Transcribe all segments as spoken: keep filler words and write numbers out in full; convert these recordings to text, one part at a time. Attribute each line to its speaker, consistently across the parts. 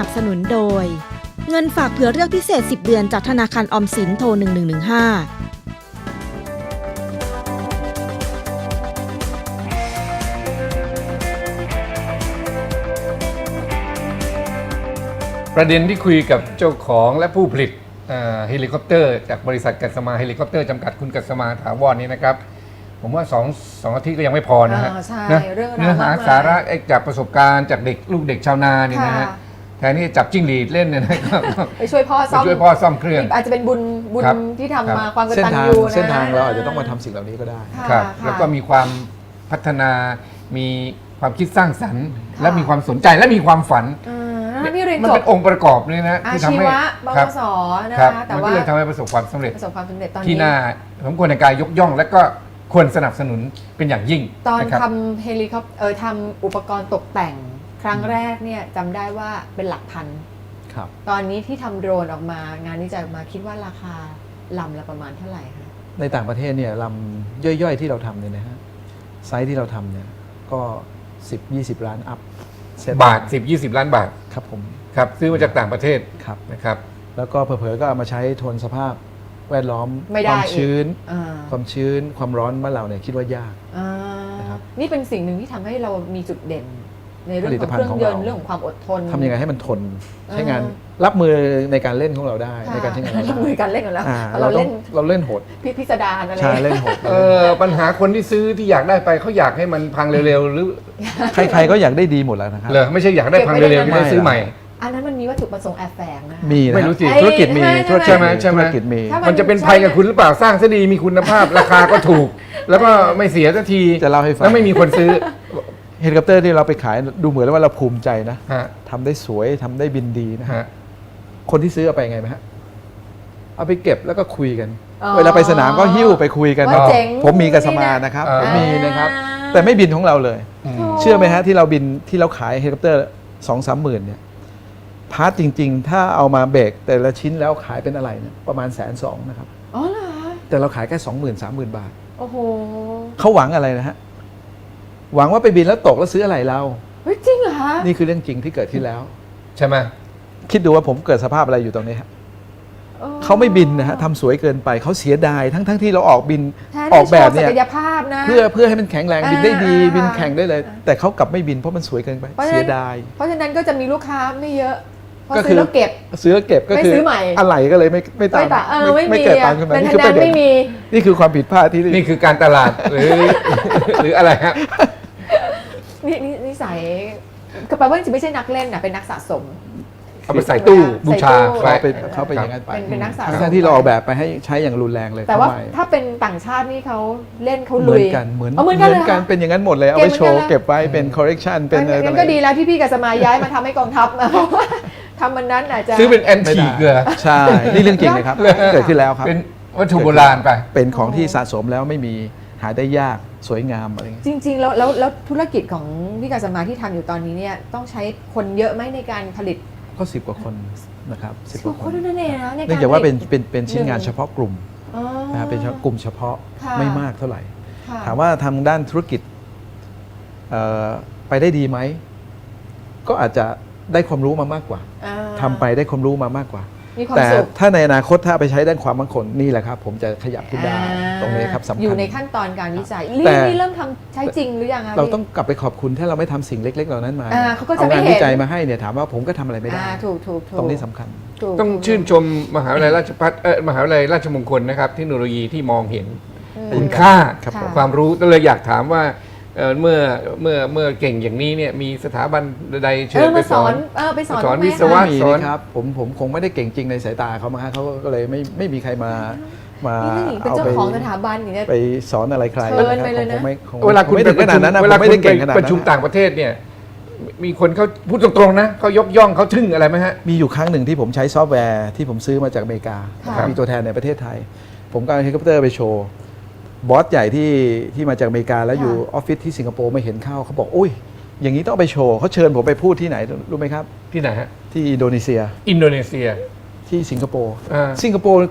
Speaker 1: นับสนุนโดยเงินฝากเผื่อเลือกพิเศษสิบเดือนจากธนาคารออมสินโทรหนึ่งหนึ่งหนึ่งห้า
Speaker 2: ประเด็นที่คุยกับเจ้าของและผู้ผลิตเฮลิคอปเตอร์จากบริษัทกัสมาเฮลิคอปเตอร์จำกัดคุณกัสมาถาวรนี้นะครับผมว่าสองสองอาทิตย์ก็ยังไม่พอนะฮะ
Speaker 3: ใช่
Speaker 2: นะ
Speaker 3: เรื่องราว
Speaker 2: เนื้อหาม
Speaker 3: ากมาย
Speaker 2: สาระจากประสบการณ์จากเด็กลูกเด็กชาวนานี่นะฮะ
Speaker 3: ค่ะ
Speaker 2: แทนที่จะจับจิ้งหรีดเล่นเนี่ยนะครับ
Speaker 3: ไปช่วยพ่อ
Speaker 2: ไป
Speaker 3: ซ่อม
Speaker 2: ช่วยพ่อซ่อมเครื่อง
Speaker 3: อาจจะเป็นบุญบุญ
Speaker 2: ครับ
Speaker 3: ที่ทำ
Speaker 2: ครับ
Speaker 3: มาความก
Speaker 4: เส้น
Speaker 3: ตัญ
Speaker 4: ทาง
Speaker 3: ญูนะ
Speaker 4: เส้นทางเราอาจจะต้องมาทำสิ่งเหล่านี้ก็ได้
Speaker 3: ค่ะ
Speaker 2: ครับ
Speaker 3: ค่ะ
Speaker 2: แล้วก็มีความพัฒนา มีความคิดสร้างสรรค์
Speaker 3: ค่ะ
Speaker 2: และมีความสนใจและมีความฝัน
Speaker 3: เออแล้วนี่เรียน
Speaker 2: มัน
Speaker 3: จ
Speaker 2: เป็
Speaker 3: บ
Speaker 2: นองค์ประกอบเลยนะ
Speaker 3: อา
Speaker 2: ที่ทำ
Speaker 3: ชี
Speaker 2: ให้
Speaker 3: วะบ
Speaker 2: ครับ
Speaker 3: สนะ
Speaker 2: ครับ
Speaker 3: คะแต่
Speaker 2: มัน
Speaker 3: ว่า
Speaker 2: ก็เลยทำให้ประสบความสำเร็จ
Speaker 3: ประสบความสำเร็จตอน
Speaker 2: ที่
Speaker 3: นี้
Speaker 2: น่าสมควรในการยกย่องและก็ควรสนับสนุนเป็นอย่างยิ่ง
Speaker 3: ตอนะ
Speaker 2: ครับ
Speaker 3: ทำเฮลิคอปเออทำอุปกรณ์ตกแต่งครั้งแรกเนี่ยจำได้ว่าเป็นหลักพัน
Speaker 4: ครับ
Speaker 3: ตอนนี้ที่ทำโดรนออกมางานวิจัยออกมาคิดว่าราคาลำละประมาณเท่าไหร่คะ
Speaker 4: ในต่างประเทศเนี่ยลำย่อยๆที่เราทำเนี่ยนะฮะไซส์ที่เราทำเนี่ยก็ สิบ ยี่สิบ ล้านอัพเซต
Speaker 2: บาท สิบ ยี่สิบ ล้านบาท
Speaker 4: ครับผม
Speaker 2: ครับซื้อมาจากต่างประเทศ
Speaker 4: ครับ
Speaker 2: นะครับ
Speaker 4: แล้วก็เผลอๆก็เอามาใช้ทนสภาพแวดล้อม
Speaker 3: ไม่ได้
Speaker 4: ความชื้น
Speaker 3: อ่า
Speaker 4: ความชื้นความร้อนบ้านเราเนี่ยคิดว่ายาก
Speaker 3: อ่า
Speaker 4: นะครับ
Speaker 3: นี่เป็นสิ่งหนึ่งที่ทำให้เรามีจุดเด่น ในเรื่อง
Speaker 4: ผลิ
Speaker 3: ข
Speaker 4: ต
Speaker 3: อง
Speaker 4: ภั
Speaker 3: เค
Speaker 4: ณฑ์
Speaker 3: รื่อง
Speaker 4: ของ
Speaker 3: ย
Speaker 4: เรา
Speaker 3: นต์เรื่องของความอดทน
Speaker 4: ทำยังไงให้มันทนใช้งาน
Speaker 3: อ่
Speaker 4: รับมือในการเล่นของเราได้ในการใช้งานเรา
Speaker 3: รับมือ
Speaker 4: ได้
Speaker 3: การเล่นกันแล้ว
Speaker 4: อ่า
Speaker 3: เรา
Speaker 4: เราต้อ
Speaker 3: เล่
Speaker 4: ง
Speaker 3: น
Speaker 4: เราเล่นโหด
Speaker 3: พิพิสดารอะไร
Speaker 4: ใช่เล่นโหด
Speaker 2: เออปัญหาคนที่ซื้อที่อยากได้ไปเขาอยากให้มันพังเร็วๆหรือ
Speaker 4: ใครๆก็อยากได้ดีหมดแล้วนะครับ
Speaker 2: เหรอไม่ใช่อยากได้พังเร็วๆจะได้ซื้อใหม่
Speaker 3: อันนั้นมันมีวัตถุประสงค์แอบแฝงนะ
Speaker 4: มีนะ
Speaker 2: ไม่รู้สิ
Speaker 4: ธุรกิจมี
Speaker 3: ไอ้
Speaker 4: ธุรกิจ
Speaker 2: ใช่ไหมใช่ไหม
Speaker 4: ธุรกิจมี
Speaker 3: ถ้า
Speaker 2: มันจะเป็นภัยกับคุณหรือเปล่าสร้างซะดีมีคุณภาพ ราคาก็ถูก แล้วก็ไม่เสียสักที
Speaker 4: จะเล่าให้ฟัง
Speaker 2: แล้วไม่มีคนซื้อ
Speaker 4: เฮลิคอปเตอร์ที่เราไปขายดูเหมือนว่าเราภูมิใจนะ
Speaker 2: ฮะ
Speaker 4: ทำได้สวยทำได้บินดีนะ
Speaker 2: ฮะ
Speaker 4: คนที่ซื้อเอาไปไงไหมฮะเอาไปเก็บแล้วก็คุยกัน
Speaker 3: อ๋อ
Speaker 4: เวลาไปสนามก็หิ้วไปคุยกัน
Speaker 3: ว่าเจ๋ง
Speaker 4: ผมมีกับสมานะครับ
Speaker 2: อ่า
Speaker 4: ผมมีนะครับ
Speaker 3: อ่า
Speaker 4: แต่ไม่บินของเราเลย
Speaker 2: อืม
Speaker 4: เชื่อไหมฮะที่เราบินที่เราขายเฮลิคอปเตอร์สองสามหมื่นเนี่ยพาร์ทจริง ๆ ถ้าเอามาเบรกแต่ละชิ้นแล้วขายเป็นอะไรเนี่ยประมาณแสนสองนะครับ
Speaker 3: อ๋อเหรอ
Speaker 4: แต่เราขายแค่สองหมื่นสามหมื่นบาท
Speaker 3: โอ้โห
Speaker 4: เขาหวังอะไรนะฮะหวังว่าไปบินแล้วตกแล้วซื้ออะไรเรา
Speaker 3: เฮ้ยจริงเหรอคะ
Speaker 4: นี่คือเรื่องจริงที่เกิดขึ้นแล้ว
Speaker 2: ใช่ไหม
Speaker 4: คิดดูว่าผมเกิดสภาพอะไรอยู่ตรงนี้ฮะ
Speaker 3: ออ
Speaker 4: เขาไม่บินนะฮะทำสวยเกินไปเขาเสียดายทั้งทั้งที่เราออกบิน
Speaker 3: แทน
Speaker 4: อ
Speaker 3: ที่
Speaker 4: อกแบบ
Speaker 3: โชว์
Speaker 4: เนี่ย
Speaker 3: ศักยภาพนะ
Speaker 4: เพื่อเพื่อให้มันแข็งแรงบินได้ดี
Speaker 3: อ่า
Speaker 4: บินแข่งได้เลย แต่เขากลับไม่บินเพราะมันสวยเกินไป
Speaker 3: เพราะฉะ
Speaker 4: เสี
Speaker 3: นั้
Speaker 4: ย
Speaker 3: น
Speaker 4: ดาย
Speaker 3: เพราะฉะนั้นก็จะมีลูกค้าไม่เยอะเพราะ
Speaker 4: ก็
Speaker 3: ซื้อแล้วเก็บ
Speaker 4: ซื้อแล้วเก็บก็
Speaker 3: ไม่
Speaker 4: คือ
Speaker 3: ซื้อใหม่
Speaker 4: อะไรก็เลยไม่ไม่ตาม
Speaker 3: ไม่ตะเออไม่มี
Speaker 4: ไม่เกิดตามขึ้นมา
Speaker 3: เป็น
Speaker 4: นี่
Speaker 3: ทา
Speaker 4: คื
Speaker 3: ง
Speaker 4: อป
Speaker 3: นั้น
Speaker 4: ระเด็น
Speaker 3: ไม่มี
Speaker 4: นี่คือความผิดพลาดที่
Speaker 2: นี่คือการตลาดหรือ หรืออะไรฮะ
Speaker 3: นี่นี่นิสัยก็แปลว่าจริงๆไม่ใช่นักเล่นนะเป็นนักสะสม
Speaker 2: เอาไปใส่ตู้บูชา
Speaker 3: ใส่ตู้
Speaker 2: ไว้
Speaker 4: เขาเป็นเขาเป็นอย่างนั้นไป
Speaker 3: เป็นเป็นนักสะสม
Speaker 4: ทั้งที่เราออกแบบไปให้ใช้อย่างรุนแรงเลย
Speaker 3: แต่ว่า
Speaker 4: ทำไม
Speaker 3: ถ้าเป็นต่างชาตินี่เขาเล่นเขา
Speaker 4: เห
Speaker 3: ลุ
Speaker 4: มือย นกันเหมือน
Speaker 3: เอาเหมือนกันเลยเหรอคะ
Speaker 4: เป็นอย่างนั้นหมดเลยเอา
Speaker 3: เก็
Speaker 4: ไว้
Speaker 3: บเหมือน
Speaker 4: โชว์
Speaker 3: กันเลย
Speaker 4: เก็บไว้เป็น correction เป็นอะไร
Speaker 3: งั้นก็ดีแล้วที่พี่กัสมาย้ายมาทำให้กองทัพนะเพราะว่าทำมันนั้นอาจจะ
Speaker 2: ซื้อเป็นแอน
Speaker 4: ไม่
Speaker 2: ที
Speaker 4: ได้
Speaker 2: เกลือ
Speaker 4: ใช่ นี่เรื่องจริงเลยครับ เกิดขึ้นแล้วครับ
Speaker 2: เป็นวัตถุโบราณไป
Speaker 4: เป็นของที่สะสมแล้วไม่มีหาได้ยากสวยงามอะไรอย่างเงี้ย
Speaker 3: จริง ๆ แล้วแล้วแล้วธุรกิจของพี่กัสมาที่ทำอยู่ตอนนี้เนี่ยต้องใช้คนเยอะไหมในการผลิต
Speaker 4: ก็สิบกว่าคนนะครับสิบกว่า
Speaker 3: ค
Speaker 4: คน น
Speaker 3: นั่นเองนะในการ
Speaker 4: เนื่องจากว่าเป็น
Speaker 3: ผลิต
Speaker 4: เป็นเป็นชิ้นงาน
Speaker 3: หนึ่ง
Speaker 4: เฉพาะกลุ่ม
Speaker 3: อ๋อ
Speaker 4: นะครับเป็นเฉพาะกลุ่มเฉพาะ
Speaker 3: ค่ะ
Speaker 4: ไม่มากเท่าไหร่
Speaker 3: ค่ะ
Speaker 4: ถามว่าทางด้านธุรกิจเอ่อไปได้ดีไหม ก็อาจจะได้ความรู้มามากกว่า
Speaker 3: อ่า
Speaker 4: ทำไปได้ความรู้มามากกว่า
Speaker 3: มีความ
Speaker 4: แต่
Speaker 3: สุข
Speaker 4: ถ้าในอนาคตถ้าไปใช้ด้านความมั่นคงนี่แหละครับ ผมจะขยับขึ้นได้
Speaker 3: อ่า
Speaker 4: ตรงนี้ครับสำคัญ
Speaker 3: อยู่ในขั้นตอนการวิจัย
Speaker 4: แต่
Speaker 3: นี่นี่เริ่มทำใช้จริงหรือยังคะ
Speaker 4: เรา
Speaker 3: พี่
Speaker 4: ต้องกลับไปขอบคุณถ้าเราไม่ทำสิ่งเล็ก ๆ เหล่านั้นมา
Speaker 3: อ่าเขาก็จะ
Speaker 4: เอา
Speaker 3: ไม่
Speaker 4: งาน
Speaker 3: เห็น
Speaker 4: วิจัยมาให้เนี่ยถามว่าผมก็ทำอะไรไม่ได้
Speaker 3: อ่าถูกถูกถูก
Speaker 4: ตรงนี้สำคัญ
Speaker 3: ถูก
Speaker 2: ต้อง
Speaker 3: ถูก
Speaker 2: ชื่นชมมหาวิทยาลัยราชภัฏเออมหาวิทยาลัยราชมงคลนะครับเทคโนโลยีที่มองเห็น
Speaker 3: อืม
Speaker 2: คุณค่า
Speaker 4: ครับผม
Speaker 2: ความรู้ก็เลยอยากถามว่าเอ่อเมื่อเมื่อเมื่อเก่งอย่างนี้เนี่ยมีสถาบันใดเชิ
Speaker 3: เอ
Speaker 2: ญ
Speaker 3: อ
Speaker 2: ไป
Speaker 3: มา
Speaker 2: ส
Speaker 3: ส
Speaker 2: อ
Speaker 3: อน นเออไปสอน
Speaker 2: สอน
Speaker 3: บ้างไหม
Speaker 2: วิศวะ
Speaker 3: คะ
Speaker 4: มี
Speaker 2: สอน
Speaker 4: นะครับผมผมคงไม่ได้เก่งจริงในสายตาเขามาฮะเขาก็เลยไม่ไม่มีใครมามา
Speaker 3: นี่นี่เป็น
Speaker 4: เอา
Speaker 3: เจ้า
Speaker 4: ไป
Speaker 3: ของสถาบันอย่างเงี้ย
Speaker 4: ไปสอนอะไรใคร
Speaker 3: เชิญไปเลยนะ
Speaker 4: คงไม่คง
Speaker 2: เวลาคุณ
Speaker 4: ไม่
Speaker 2: ไป
Speaker 4: ถึง
Speaker 2: ป
Speaker 4: ข
Speaker 2: ระ
Speaker 4: นา
Speaker 2: ชุ
Speaker 4: ด
Speaker 2: ม
Speaker 4: นั้นนะ
Speaker 2: เว
Speaker 4: ผ
Speaker 2: ลาม
Speaker 4: ไม่
Speaker 2: คุ
Speaker 4: ได้
Speaker 2: ณ
Speaker 4: เก่ง
Speaker 2: ไป
Speaker 4: ขนาด
Speaker 2: ประชุม
Speaker 4: นั้น
Speaker 2: ต่างประเทศเนี่ยมีคนเขาพูดตรงๆนะเขายกย่องเขาทึ่งอะไรไหมฮะ
Speaker 4: มีอยู่ครั้งหนึ่งที่ผมใช้ซอฟต์แวร์ที่ผมซื้อมาจากอเมริกา
Speaker 3: ค่ะ
Speaker 4: นะครับมีตัวแทนในประเทศไทย ผมก็เอาเฮลิคอปเตอร์ไปโชว์บอสใหญ่ที่ที่มาจากอเมริกาแล้วอยู่ออฟฟิศที่สิงคโปร์ไม่เห็นเข้าเขาบอกอุ้ยอย่างนี้ต้องเอาไปโชว์เขาเชิญผมไปพูดที่ไหนรู้ไหมครับ
Speaker 2: ที่ไหนฮะ
Speaker 4: ที่อินโดนีเซีย
Speaker 2: อินโดนีเซีย
Speaker 4: ที่สิงคโปร์
Speaker 2: อ่า
Speaker 4: สิงคโปร์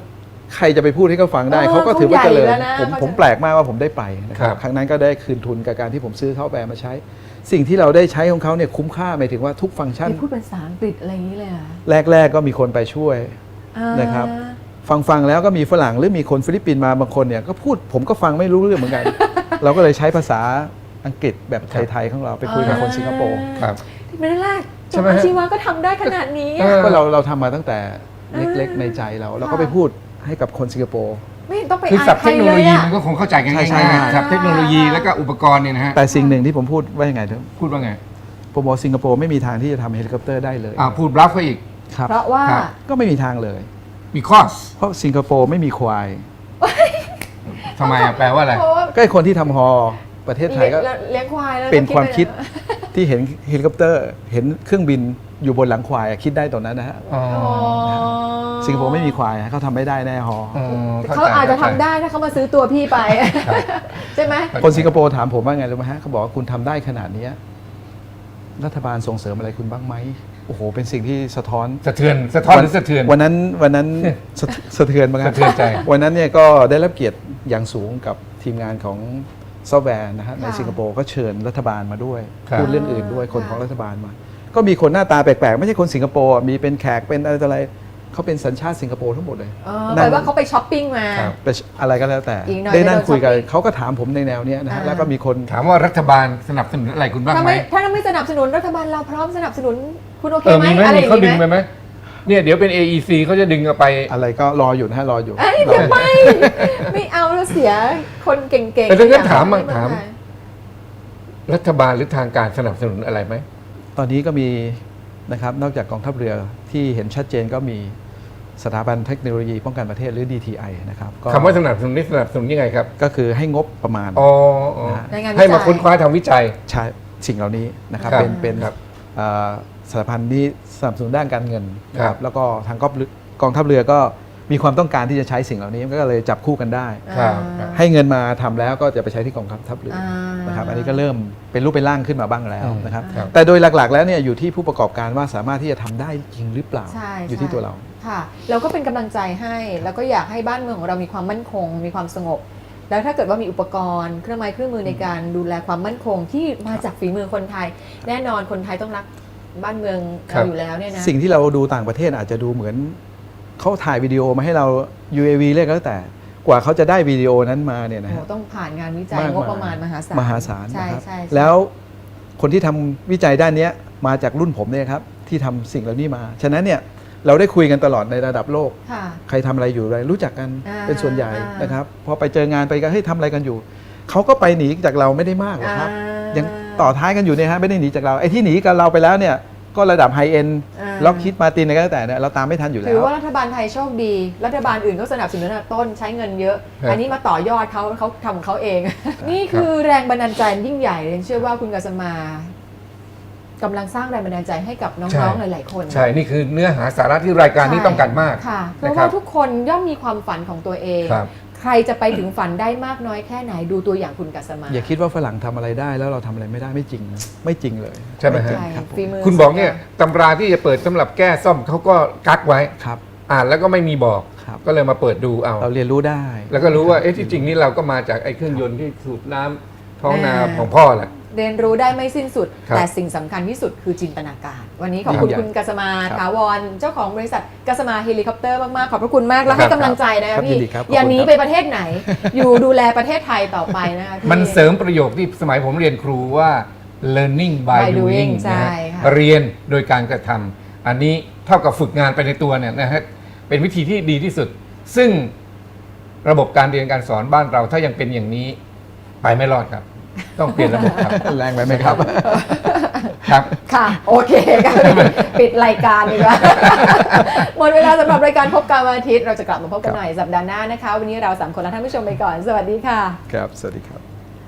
Speaker 4: ใครจะไปพูดให้เขาฟังได้
Speaker 3: เออ
Speaker 4: เขาก็ถือว่าเจริญ
Speaker 3: เขาใหญ่แล้วนะ
Speaker 4: ผม
Speaker 3: เขาจะ
Speaker 4: ผมแปลกมากว่าผมได้ไปนะค
Speaker 2: ครั
Speaker 4: รับบ ครั้งนั้นก็ได้คืนทุนกับการที่ผมซื้อเขาแบรนด์มาใช้ สิ่งที่เราได้ใช้ของเขาเนี่ยคุ้มค่าหมายถึงว่าทุกฟังก์ชัน
Speaker 3: นี่พูดเป็นภาษาอังกฤษอะไรอย่างนี้เลยเหรอ
Speaker 4: แรก ๆ ก็มีคนไปช่วย
Speaker 3: อ่า
Speaker 4: นะครับ ฟังฟังๆแล้วก็มีฝรั่งหรือมีคนฟิลิปปินส์มาบางคนเนี่ยก็พูดผมก็ฟังไม่รู้เรื่องเหมือนกัน เราก็เลยใช้ภาษาอังกฤษแบบไทยๆของเราไปคุยกับคนสิงคโปร์
Speaker 2: ครับ
Speaker 3: ที่ไม่ได้แรกจ
Speaker 2: ใช่
Speaker 3: บ
Speaker 2: ไหม
Speaker 3: อา
Speaker 2: ฮะ
Speaker 3: ชีวะก็ทำได้ขนาดนี้
Speaker 2: เอ
Speaker 3: อะ
Speaker 2: อ
Speaker 4: ก็เราเราทำมาตั้งแต่เล็ก
Speaker 3: อ่า
Speaker 4: ๆในใจเราเราก็
Speaker 3: ค่ะ
Speaker 4: ไปพูดให้กับคนสิงคโปร์
Speaker 3: ไม่เห็นต้องไป
Speaker 2: คือ
Speaker 3: อา
Speaker 2: ศั
Speaker 3: ย
Speaker 2: พท์
Speaker 3: ใค
Speaker 2: เท
Speaker 3: ร
Speaker 2: คโน
Speaker 3: เล
Speaker 2: โล
Speaker 3: ย
Speaker 2: ยี
Speaker 3: อะ
Speaker 2: มันก็คงเข้าใจกัน
Speaker 4: ใช่
Speaker 2: ง่าย
Speaker 4: ใช่
Speaker 2: ๆศัพท์เทคโนโลยีแล้วก็อุปกรณ์เนี่ยนะฮะ
Speaker 4: แต่สิ่งหนึ่งที่ผมพูดว่ายังไงเถอะ
Speaker 2: พูดว่าไง
Speaker 4: ผมบอกสิงคโปร์ไม่มีทางที่จะทำเฮลิคอปเตอร์ได้เลย
Speaker 2: อ่าพูดบลัฟก็อีก
Speaker 4: ครับ
Speaker 3: เพราะว่า
Speaker 2: ครับ
Speaker 4: ก็ไม่มีทางเลย
Speaker 2: มีคอส
Speaker 4: เพราะสิงคโปร์ไม่มีควาย
Speaker 2: ทำไมอ่ะแปลว่าอะไร
Speaker 3: เพราะว่า
Speaker 4: ก็ไอ้คนที่ทำฮอประเทศไทยก็
Speaker 3: เลี้ยงควายแล้ว
Speaker 4: เป็นความคิด
Speaker 3: ไปเลย
Speaker 4: ที่เห็นเฮลิคอปเตอร์ เห็นเครื่องบินอยู่บนหลังควายอะคิดได้ตอนนั้นนะฮะ
Speaker 2: อ๋อ
Speaker 3: อ๋อ
Speaker 4: สิงคโปร์ไม่มีควายฮะเขาทำไม่ได้แน่ฮอ
Speaker 2: อ๋อ
Speaker 3: เขาอาจจะทำได้ถ้าเขามาซื้อตัวพี่ไป ใช่ไหม
Speaker 4: คนสิงคโปร์ถามผมว่าไงรู้ไหมฮะเขาบอกว่าคุณทำได้ขนาดเนี้ยรัฐบาลส่งเสริมอะไรคุณบ้างไหมโอ้โหเป็นสิ่งที่สะท้อน
Speaker 2: สะเทือนสะท้อนหรือสะเทือน
Speaker 4: วันนั้นวันนั้นสะสะเทือนมาก
Speaker 2: สะเทือนใจ
Speaker 4: วันนั้นเนี่ยก็ได้รับเกียรติอย่างสูงกับทีมงานของซอฟต์แวร์นะฮะในสิงคโปร์ก็เชิญรัฐบาลมาด้วย
Speaker 2: ครับ
Speaker 4: พูดเรื่องอื่นด้วยคนของรัฐบาลมา ก็มีคนหน้าตาแปลกๆ ไม่ใช่คนสิงคโปร์มีเป็นแขกเป็นอะไรต่ออะไรเขาเป็นสัญชาติสิงคโปร์ทั้งหมดเลย
Speaker 3: เออแปลว่าเขาไปช้อปปิ้งมา
Speaker 2: ครับ
Speaker 4: ไปอะไรก็แล้วแต่
Speaker 3: อีกหน่อย
Speaker 4: ได้นั่ง
Speaker 3: ไปโดน
Speaker 4: คุยกัน
Speaker 3: ช้อปปิ้ง
Speaker 4: เขาก็ถามผมในแนวเนี้ยนะฮะ
Speaker 3: อ่า
Speaker 4: แล้วก็มีคน
Speaker 2: ถามว่ารัฐบาลสนับสนุนอะไรคุณบ้าง
Speaker 3: ถ้า
Speaker 2: ไหม
Speaker 3: ไม่ถ้าไม่สนับสนุนรัฐบาลเราพร้อมสนับสนุนคุณโอเค
Speaker 2: เออ
Speaker 3: ไหม
Speaker 2: มีไหม
Speaker 3: อะไร
Speaker 2: มี
Speaker 3: อย่าง
Speaker 2: เขาดึง
Speaker 3: นี้
Speaker 2: ไป
Speaker 3: ไหม
Speaker 2: ไหมเนี่ยเดี๋ยวเป็น เอ อี ซี เขาจะดึงเอาไป
Speaker 4: อะไรก็รออยู่นะฮะรออยู่
Speaker 3: เอ้ย
Speaker 4: รอ
Speaker 3: เดี๋ยวไม่ไม่เอาแล้วเสียคนเก่งๆ
Speaker 2: แต่ถ้างั้น
Speaker 3: อย่
Speaker 2: ถาม
Speaker 3: เร
Speaker 2: มั่ง
Speaker 3: ไ
Speaker 2: ถาม รัฐบาลหรือทางการสนับสนุนอะไรไหม
Speaker 4: ตอนนี้ก็มีนะครับนอกจากกองทัพเรือที่เห็นชัดเจนก็มีสถาบันเทคโนโลยีป้องกันประเทศหรือ ดี ที ไอ นะครับก็
Speaker 2: คำว่าสนับสนุนนี่สนับสนุนยังไงครับ
Speaker 4: ก็คือให้งบประมาณ
Speaker 2: อ๋ออ๋อ
Speaker 4: นะฮะ
Speaker 3: ในงานวิจัย
Speaker 2: ให้มาค้นคว้าทำวิจัย
Speaker 4: ใช้สิ่งเหล่านี้นะครับ
Speaker 2: ครับ
Speaker 4: เป็นเป็น
Speaker 2: ครับ
Speaker 4: เอ่อสถาบันที่สนับสนุนด้านการเงินนะค
Speaker 2: ครั
Speaker 4: รับบ แล้วก็ทางกองกองทัพเรือก็มีความต้องการที่จะใช้สิ่งเหล่านี้ก็เลยจับคู่กันได้
Speaker 2: ครับ
Speaker 3: อ่า
Speaker 4: ให้เงินมาทำแล้วก็จะไปใช้ที่กองทัพเรือ
Speaker 3: อ่า
Speaker 4: นะครับอันนี้ก็เริ่มเป็นรูปเป็นร่างขึ้นมาบ้างแล้ว
Speaker 2: อืม
Speaker 4: นะครับ
Speaker 2: ครับ
Speaker 4: แต่โดยหลักๆ แล้วเนี่ยอยู่ที่ผู้ประกอบการว่าสามารถที่จะทำได้จริงหรือเปล่า
Speaker 3: ใช่
Speaker 4: อยู่ที่
Speaker 3: ใช่
Speaker 4: ตัวเรา
Speaker 3: ค่ะเราก็เป็นกำลังใจให้ แล้วก็อยากให้บ้านเมืองของเรามีความมั่นคง มีความสงบ แล้วถ้าเกิดว่ามีอุปกรณ์เครื่องไม้เครื่องมือในการดูแลความมั่นคงที่มาจากฝีมือคนไทย แน่นอนคนไทยต้องรักบ้านเมือง
Speaker 2: ครั
Speaker 3: เรา
Speaker 2: บ
Speaker 3: อยู่แล้วเนี่ยนะ
Speaker 4: สิ่งที่เราดูต่างประเทศอาจจะดูเหมือนเขาถ่ายวิดีโอมาให้เรา ยู เอ วี เรียกก็แล้วแต่กว่าเขาจะได้วิดีโอนั้นมาเนี่ยนะ
Speaker 3: โอ้
Speaker 4: ฮะ
Speaker 3: ต้องผ่านงานวิจัย
Speaker 4: มาก
Speaker 3: งบประมาณมหาศาล
Speaker 4: มหาศาล
Speaker 3: ใช่
Speaker 4: นะครับ
Speaker 3: ใช่ใช่
Speaker 4: แล้วคนที่ทำวิจัยด้านเนี้ยมาจากรุ่นผมเนี่ยครับที่ทำสิ่งเหล่านี้มา ฉะนั้นเนี่ยเราได้คุยกันตลอดในระดับโลก
Speaker 3: ค่ะ
Speaker 4: ใครทำอะไรอยู่อะไรรู้จักกัน
Speaker 3: อ่า
Speaker 4: เป็นส่วนใหญ่
Speaker 3: อ่าน
Speaker 4: นะครับพอไปเจองานไปกันเฮ้ยทำอะไรกันอยู่เขาก็ไปหนีจากเราไม่ได้มากหรอกครับ
Speaker 3: อ่า
Speaker 4: ยังต่อท้ายกันอยู่เนี่ยฮะไม่ได้หนีจากเราไอ้ที่หนีกับเราไปแล้วเนี่ยก็ระดับไฮเอ็น
Speaker 3: อ่า
Speaker 4: ล็อกคิดมาตินอะไรก็แล้วแต่เนี่ยเราตามไม่ทันอยู่แล้
Speaker 3: ถือ
Speaker 4: ว
Speaker 3: ว่ารัฐบาลไทยโชคดี รัฐบาลอื่นก็สนับสนุนตั้งแต่ต้นใช้เงินเยอะ
Speaker 2: ครับ
Speaker 3: อันนี้มาต่อยอดเขาเขาทำของเขาเอง นี่คือแรงบันดาลใจยิ่งใหญ่เลยเชื่อว่าคุณกัสมากำลังสร้างแรงบันดาลใจให้กับ
Speaker 2: ใช่
Speaker 3: น้องๆหลายๆคน
Speaker 2: ใช่ นี่คือเนื้อหาสาระที่รายการนี้ต้องการมาก
Speaker 3: ค่ะ เพ
Speaker 2: นะ
Speaker 3: ราะ
Speaker 2: ครั
Speaker 3: ว่า
Speaker 2: บ
Speaker 3: ทุกคนย่อมมีความฝันของตัวเอง
Speaker 2: ครับ
Speaker 3: ใครจะไปถึงฝันได้มากน้อยแค่ไหนดูตัวอย่างคุณกัสมา
Speaker 4: อย่าคิดว่าฝรั่งทำอะไรได้แล้วเราทำอะไรไม่ได้ไม่จริงนะไม่จริงเลย
Speaker 2: ใช่ไหมฮะ
Speaker 3: ใช่
Speaker 4: ครับผม
Speaker 3: ฝีมือ
Speaker 2: คุณบอกเนี่ยตำราที่จะเปิดสำหรับแก้ซ่อมเขาก็กักไว้
Speaker 4: ครับ
Speaker 2: อ่านแล้วก็ไม่มีบอก
Speaker 4: ครับ
Speaker 2: ก็เลยมาเปิดดูเอา
Speaker 4: เราเรียนรู้ได้
Speaker 2: แล้วก็รู้ว่าเอ๊ะที่จริงนี่เราก็มาจากไอ้เครื่องยนต์ที่สูบน้ำท้องนาของพ่อแหละ
Speaker 3: เรียนรู้ได้ไม่สิ้นสุด
Speaker 2: ครับ
Speaker 3: แต่สิ่งสำคัญที่สุดคือจินตนาการ วันนี้ขอบคุณ
Speaker 4: ยิ่งใหญ่
Speaker 3: คุณกัสมา
Speaker 4: ครับ
Speaker 3: ถาวรเจ้าของบริษัทกัสมาเฮลิคอปเตอร์มากๆ ขอบพระคุณมาก และ
Speaker 2: ครั
Speaker 3: ให้
Speaker 2: บ
Speaker 3: กำลังใจนะ
Speaker 4: ครั
Speaker 3: คะ
Speaker 4: บ
Speaker 3: พี่
Speaker 4: ยินดีครับ
Speaker 3: อย่าหนี
Speaker 4: ขอบคุณครับ
Speaker 3: ไปประเทศไหน อยู่ดูแลประเทศไทยต่อไปนะคะพี่
Speaker 2: มันเสริมประโยคที่สมัยผมเรียนครูว่า learning by
Speaker 3: by doing
Speaker 2: doing
Speaker 3: ใช่
Speaker 2: นะฮะ
Speaker 3: ค่ะ
Speaker 2: เรียนโดยการกระทำอันนี้เท่ากับฝึกงานไปในตัวเนี่ยนะฮะเป็นวิธีที่ดีที่สุด ซึ่งระบบการเรียนการสอนบ้านเราถ้ายังเป็นอย่างนี้ไปไม่รอดครับ ต้องเปลี่ยนระบบครับ
Speaker 4: แรงไปไหมครับ
Speaker 2: ครับ
Speaker 3: ค่ะ โอเคค่ะ ปิดรายการดีกว่า หมดเวลาสำหรับรายการพบกันวันอาทิตย์เราจะกลับมาพบกันใหม่สัปดาห์หน้านะคะ วันนี้เราสามคนและท่านผู้ชมไปก่อน สวัสดีค่ะ
Speaker 4: ครับ สวัสดีครับ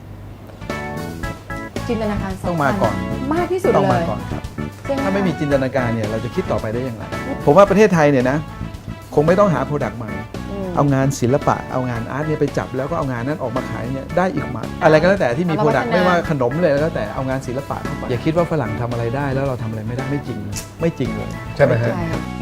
Speaker 3: จินตนาการสำคัญ
Speaker 4: ต้องมาก่อน
Speaker 3: มากที่สุด
Speaker 4: ต้อง
Speaker 3: เล
Speaker 4: มาย ก่อนครับ
Speaker 3: ใช่ห
Speaker 4: ถ้าไม่มีจินตนาการเนี่ยเราจะคิดต่อไปได้อย่างไร ผมว่าประเทศไทยเนี่ยนะคงไม่ต้องหาโปรดักต์ใหม่
Speaker 3: อืม
Speaker 4: เอางานศิลปะ เอางานอาร์ตเนี่ยไปจับแล้วก็เอางานนั้นออกมาขายเนี่ยได้อีกมากอะไรก็แล้วแต่ที่มี
Speaker 3: เอา
Speaker 4: โปร
Speaker 3: มา
Speaker 4: ดักต์
Speaker 3: พัฒนา
Speaker 4: ไม่ว่าขนมเลยแล้วแต่เอางานศิลปะเข้าไปอย่าคิดว่าฝรั่งทำอะไรได้แล้วเราทำอะไรไม่ได้ไม่จริง ไม่จริงเลย
Speaker 2: ใช่ไหมฮะ
Speaker 3: ใช่